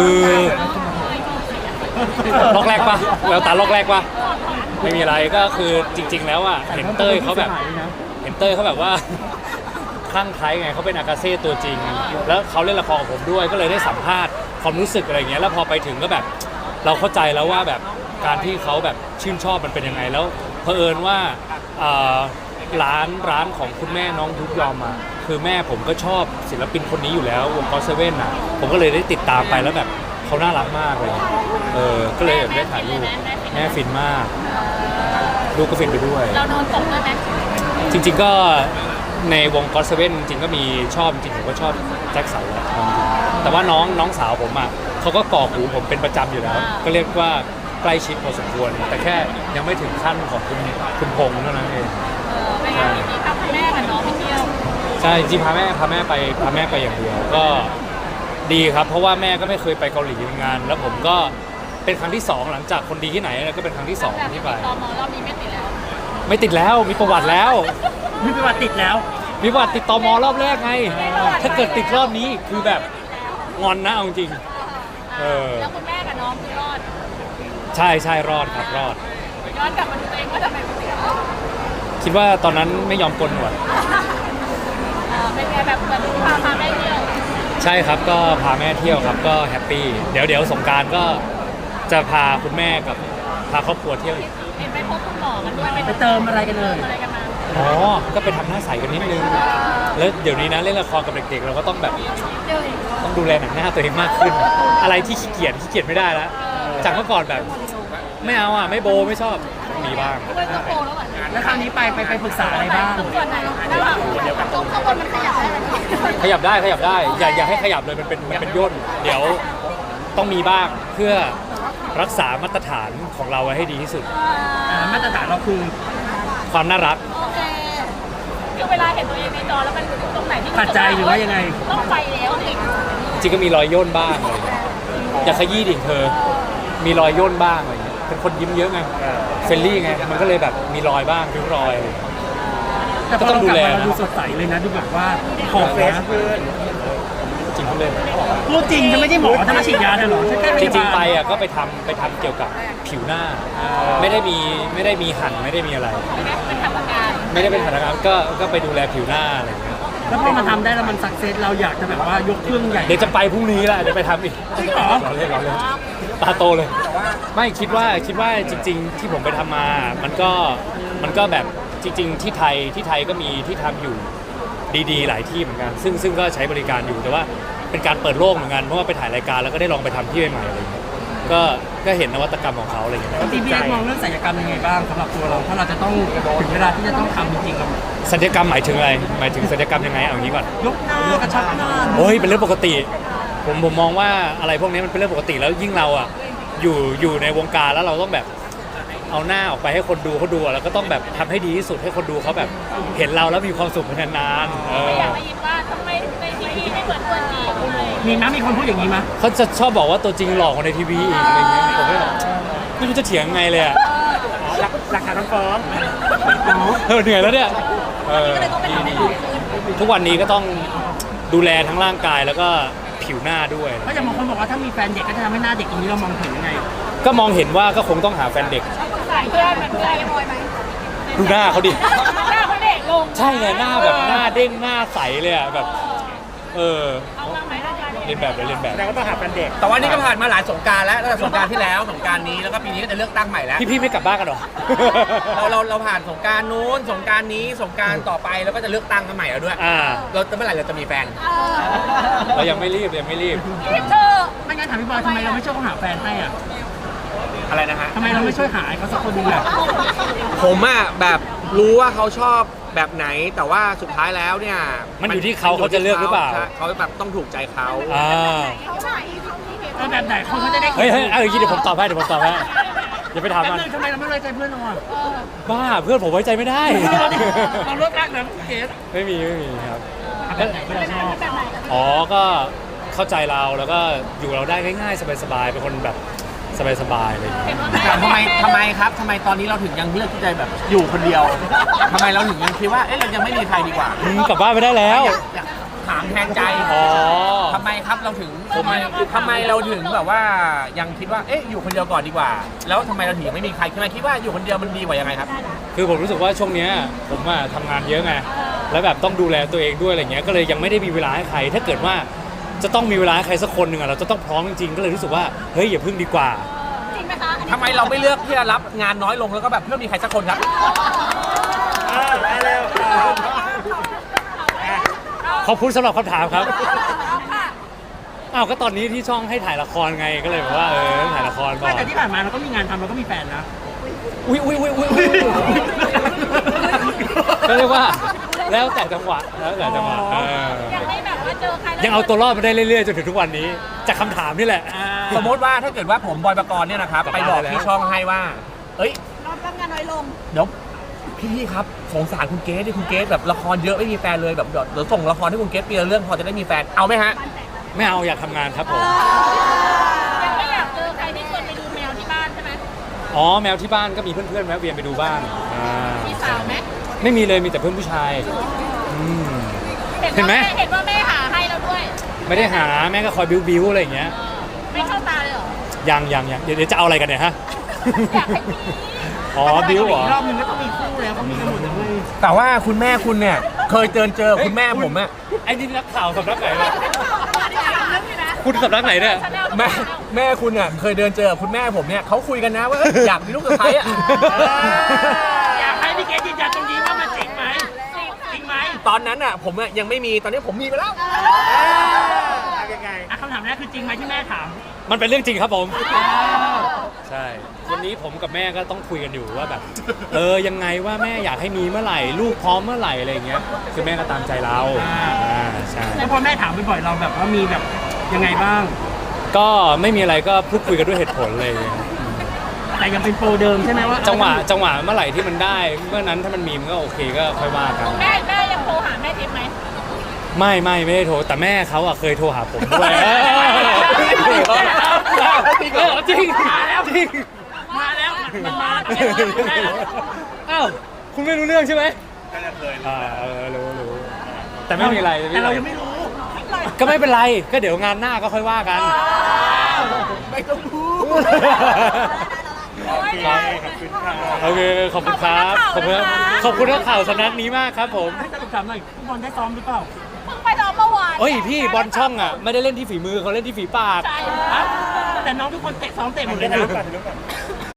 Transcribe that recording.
คือล็อกแรกปะแววตาล็อกแรกปะไม่มีอะไรก็คือจริงๆแล้วอ่ะเห็นเต้ยเขาแบบว่าคลั่งไคล้ไงเขาเป็นอากาเซ่ตัวจริงแล้วเขาเล่นละครกับผมด้วยก็เลยได้สัมภาษณ์ความรู้สึกอะไรเงี้ยแล้วพอไปถึงก็แบบเราเข้าใจแล้วว่าแบบการที่เขาแบบชื่นชอบมันเป็นยังไงแล้วเผอิญว่าร้านของคุณแม่น้องยุกยอมอ่ะคือแม่ผมก็ชอบศิลปินคนนี้อยู่แล้ววงก็เซเว่นอ่ะผมก็เลยได้ติดตามไปแล้วแบบเขาน่ารักมากเลยก็เลยได้ถ่ายรูปแม่ฟินมากลูกก็ฟินไปด้วยเราโดนตกด้วยไหมจริงๆก็ในวงก็อตเซเว่นจริงๆก็มีชอบจริงๆผมก็ชอบแจ็คสันแหละแต่ว่าน้องสาวผมอ่ะเขาก็กอกหูผมเป็นประจำอยู่แล้วก็เรียกว่าใกล้ชิดพอสมควรแต่แค่ยังไม่ถึงขั้นของคุณพงษ์เท่านั้นเองไม่งั้นมีพาแม่กับน้องไปเที่ยวใช่จริงพาแม่ไปอย่างเดียวก็ดีครับเพราะว่าแม่ก็ไม่เคยไปเกาหลีงานแล้วผมก็เป็นครั้งที่2หลังจากคนดีที่ไหนก็เป็นครั้งที่2ที่ไปตม.รอบนี้ไม่ติดแล้วมีประวัติแล้วมีประวัติติดแล้วมีประวัติติดตม.รอบแรกไงถ้าเกิดติดรอบนี้คือแบบงอนนะเอาจริงแล้วคุณแม่กับน้องคือรอดใช่รอดครับรอดย้อนกลับมาดูตัวเองว่าทำไมไม่ติดคิดว่าตอนนั้นไม่ยอมกลหนวดเป็นไงแบบเหมือนพาแม่เที่ยวใช่ครับก็พาแม่เที่ยวครับก็แฮปปี้เดี๋ยวสงกรานต์ก็จะพาคุณแม่กับพาครอบครัวเที่ยวอีกเห็นไปพบคุณหมอกันด้วยไปเติมอะไรกันเลยอ๋อก็ไปทำหน้าใสกันนิดนึงแล้วเดี๋ยวนี้นะเล่นละครกับเด็กๆเราก็ต้องแบบต้องดูแลหนังหน้าตัวเองมากขึ้นอะไรที่ขี้เกียจไม่ได้แล้วจากเมื่อก่อนแบบไม่เอาอ่ะไม่โบไม่ชอบมีบ้างแล้วคราวนี้ไปปรึกษาอะไรบ้างส่วนไหนตรงข้างบนมันขยับได้ไหมขยับได้อย่าให้ขยับเลยมันเป็นย่นเดี๋ยวต้องมีบ้างเพื่อรักษามาตรฐานของเราไว้ให้ดีที่สุดมาตรฐานเราคือความน่ารักโอเคคือเวลาเห็นตัวเองในจอแล้วมันตรงไหนที่ขัดใจหรือว่ายังไงต้องไปแล้วจริงก็มีรอยย่นบ้างอะไรอย่าขยี้ดิเธอมีรอยย่นบ้างอะไรเป็นคนยิ้มเยอะไงเฟรนลี่ไงมันก็เลยแบบมีรอยบ้างริ้วรอยแต่พอเรากลับมาเราดูสดใสเลยนะดูแบบว่าหอมเฟรชขึ้นจริงเลยพูดจริงจะไม่ใช่หมอถ้ามาฉีดยาเธอหรอจริงไปอ่ะก็ไปทำเกี่ยวกับผิวหน้าไม่ได้มีหั่นไม่ได้มีอะไรไม่ได้เป็นหัตถการก็ไปดูแลผิวหน้าอะไรอย่างเงี้ยแล้วพอมาทำได้แล้วมันสักเซสเราอยากจะแบบว่ายกเครื่องใหญ่เดี๋ยวจะไปพรุ่งนี้แหละเดี๋ยวไปทำอีกจริงเหรอรอเล่นตาโตเลยไม่คิดว่าจริงๆที่ผมไปทำมามันก็แบบจริงๆที่ไทยก็มีที่ทำอยู่ดีๆหลายที่เหมือนกันซึ่งก็ใช้บริการอยู่แต่ว่าเป็นการเปิดโลกเหมือนกันเพราะว่าไปถ่ายรายการแล้วก็ได้ลองไปทำที่ใหม่ๆอะไรอย่างเงี้ยก็เห็นนวัตกรรมของเขาอะไรอย่างเงี้ยพี่มองเรื่องศัลยกรรมยังไงบ้างสำหรับตัวเราถ้าเราจะต้องถึงเวลาที่จะต้องทำจริงๆเราศัลยกรรมหมายถึงอะไรหมายถึงศัลยกรรมยังไงเอางี้ก่อนยกหน้ากระชับหน้าโอ้ยเป็นเรื่องปกติผมมองว่าอะไรพวกนี้มันเป็นเรื่องปกติแล้วยิ่งเราอ่ะอยู่ในวงการแล้วเราต้องแบบเอาหน้าออกไปให้คนดูเขาดูแล้วก็ต้องแบบทำให้ดีที่สุดให้คนดูเขาแบบเห็นเราแล้วมีความสุขนานๆอยากได้ยินว่าทำไมในทีวีไม่เหมือนตัวจริงมีคนพูดอย่างนี้มั้ยเขาจะชอบบอกว่าตัวจริงหลอกกว่าในทีวีอีกอะไรเงี้ยผมไม่รู้จะเถียงไงเลยอ่ะหลักฐานต้องฟ้องเหนื่อยแล้วเนี่ยทุกวันนี้ก็ต้องดูแลทั้งร่างกายแล้วก็ผิวหน้าด้วยก็จะบางคนบอกว่าถ้ามีแฟนเด็กก็จะทำให้หน้าเด็กตรงนี้เรามองเห็นยังไงก็มองเห็นว่าก็คงต้องหาแฟนเด็กเพื่อนมันเพื่อนบอยไหมดูหน้าเขาดิหน้าเขาเด็กลงใช่ไงหน้าแบบหน้าเด้งหน้าใสเลยอ่ะแบบเอาบ้างไหมเรียนแบบแต่ก็ต้องหาแฟนเด็กแต่ว่านี่ก็ผ่านมาหลายสงกรานต์แล้วตั้งแต่สงกรานต์ที่แล้วสงกรานต์นี้แล้วก็ปีนี้ก็จะเลือกตั้งใหม่แล้วพี่ไม่กลับบ้านกันหรอเราผ่านสงกรานต์นู้นสงกรานต์นี้สงกรานต์ต่อไปแล้วก็จะเลือกตั้งกันใหม่แล้วด้วยเราจะเมื่อไหร่เราจะมีแฟนเรายังไม่รีบเธอไม่งั้นถามพี่บอยทำไมเราไม่ช่วยเขาหาแฟนให้อ่ะอะไรนะฮะทำไมเราไม่ช่วยหาเขาสักคนนึงอ่ะผมอ่ะแบบรู้ว่าเขาชอบแบบไหนแต่ว่าสุดท้ายแล้วเนี่ยมันอยู่ที่เขาจะเลือกหรือเปล่าเขาแบบต้องถูกใจเขาแบบไหนเขาจะได้เฮ้ยเดี๋ยวผมตอบให้อย่าไปถามมันทำไมเราไม่ไว้ใจเพื่อนเราอ่ะบ้าเพื่อนผมไว้ใจไม่ได้เราเลิกรักนะเกสไม่มีครับก็เข้าใจเราแล้วก็อยู่เราได้ง่ายๆสบายๆเป็นคนแบบสบายๆเลยทำไมครับทำไมตอนนี้เราถึงยังเลือกที่จะแบบอยู่คนเดียวทำไมเราถึงยังคิดว่าเรายังไม่มีใครดีกว่ากลับบ้านไปได้แล้วถามแทนใจอ๋อทำไมครับเราถึงทำไมเราถึงแบบว่ายังคิดว่าเอ๊ะอยู่คนเดียวก่อนดีกว่า แล้วทำไมเราถึงยังไม่มีใครคิดว่าอยู่คนเดียวมันดีกว่ายังไงครับคือผมรู้สึกว่าช่วงเนี้ยผมอะทำงานเยอะไงแล้วแบบต้องดูแลตัวเองด้วยอะไรเงี้ยก็เลยยังไม่ได้มีเวลาให้ใคร ถ้าเกิดว่าจะต้องมีเวลาให้ใครสักคนหนึ่งอะเราจะต้องพร้อมจริงๆก็เลยรู้สึกว่าเฮ้ยอย่าพึ่งดีกว่าจริงไหมคะอันนี้ทำไมเราไม่เลือกที่จะรับงานน้อยลงแล้วก็แบบเพื่อมีใครสักคนครับได้แล้วขอบคุณสำหรับคำถามครับเอาค่ะอ้าวก็ตอนนี้ที่ช่องให้ถ่ายละครไงก็เลยแบบว่าถ่ายละครก่อนแต่ที่ผ่านมาเราก็มีงานทำเราก็มีแฟนนะอุ้ยก็เรียกว่าแล้วแต่จังหวะยังไม่แบบว่าเจอใครแล้วยังเอาตัวรอดมาได้เรื่อยๆจนถึงทุกวันนี้จากคำถามนี่แหละสมมติว่าถ้าเกิดว่าผมบอยปกรณ์เนี่ยนะครับไปบอกที่ช่องให้ว่า เอ้ยรับงานน้อยลงเดี๋ยวพี่ครับสงสารคุณเกสดิคุณเกสแบบละครเยอะไม่มีแฟนเลยแบบเดี๋ยวส่งละครให้คุณเกสปีละเรื่องพอจะได้มีแฟนเอาไหมฮะไม่เอาอยากทำงานครับผมยังไม่อยากเจอใครที่ชวนไปดูแมวที่บ้านใช่ไหมอ๋อแมวที่บ้านก็มีเพื่อนๆแวะเวียนไปดูบ้างมีสาวไหมไม่มีเลยมีแต่เพื่อนผู้ชายเห็นไหมเห็นว่าแม่หาให้เราด้วยไม่ได้หาแม่ก็คอยบิ้วอะไรอย่างเงี้ยไม่เข้าตาเลยเหรอยังเดี๋ยวจะเอาอะไรกันเนี่ยฮะอยากให้มีอ๋อบิ้วเหรอรอบนึงก็ต้องมีคู่แล้วเขามีกันหมดเลยแต่ว่าคุณแม่คุณเนี่ยเคยเจอคุณแม่ผมอะไอ้นี่นักข่าวสำนักไหนเนี่ยคุณสำนักไหนเนี่ยแม่คุณเนี่ยเคยเจอคุณแม่ผมเนี่ยเขาคุยกันนะว่าเอ้ยอยากมีลูกสะใภ้อะอยากให้พี่เกดยืนยันตรงนี้ว่ามันจริงไหมจริงไหมตอนนั้นอะผมอะยังไม่มีตอนนี้ผมมีไปแล้วยังไงคำถามแรกคือจริงไหมที่แม่ถามมันเป็นเรื่องจริงครับผม ใช่ วันนี้ผมกับแม่ก็ต้องคุยกันอยู่ว่าแบบ ยังไงว่าแม่อยากให้มีเมื่อไหร่ลูกพร้อมเมื่อไหร่อะไรอย่างเงี้ย คือแม่ก็ตามใจเราใช่แล้วพอแม่ถามบ่อยๆเราแบบว่ามีแบบยังไงบ้างก็ไม่มีอะไรก็พูดคุยกันด้วยเหตุผลเลยแต่ยังเป็นโปรเดิมใช่ไหมว่าจังหวะเมื่อไหร่ที่มันได้ เมื่อนั้นถ้ามันมีมันก็โอเคก็ค่อยว่ากันแม่ยังโทรหาแม่ทิพย์ไหมไม่ได้โทรแต่แม่เขาอะเคยโทรหาผมด้วย จริงมาแล้วจริงมาแล้วมันมาแล้วอ้าวคุณไม่รู้เรื่องใช่ไหมรู้แต่ไม่มีอะไรแต่เรายังไม่รู้ก็ไม่เป็นไรก็เดี๋ยวงานหน้าก็ค่อยว่ากันไม่ต้องพูดโอเคขอบคุณครับขอบคุณนักข่าวสำนักนี้มากครับผมให้สรุปถามหน่อยฟุตบอลได้ซ้อมหรือเปล่าเพิ่งไปซ้อมเมื่อวานเฮ้ยพี่บอลช่องอะไม่ได้เล่นที่ฝีมือเขาเล่นที่ฝีปากใช่แต่น้องทุกคนเตะซ้อมเตะหมดเลยนะ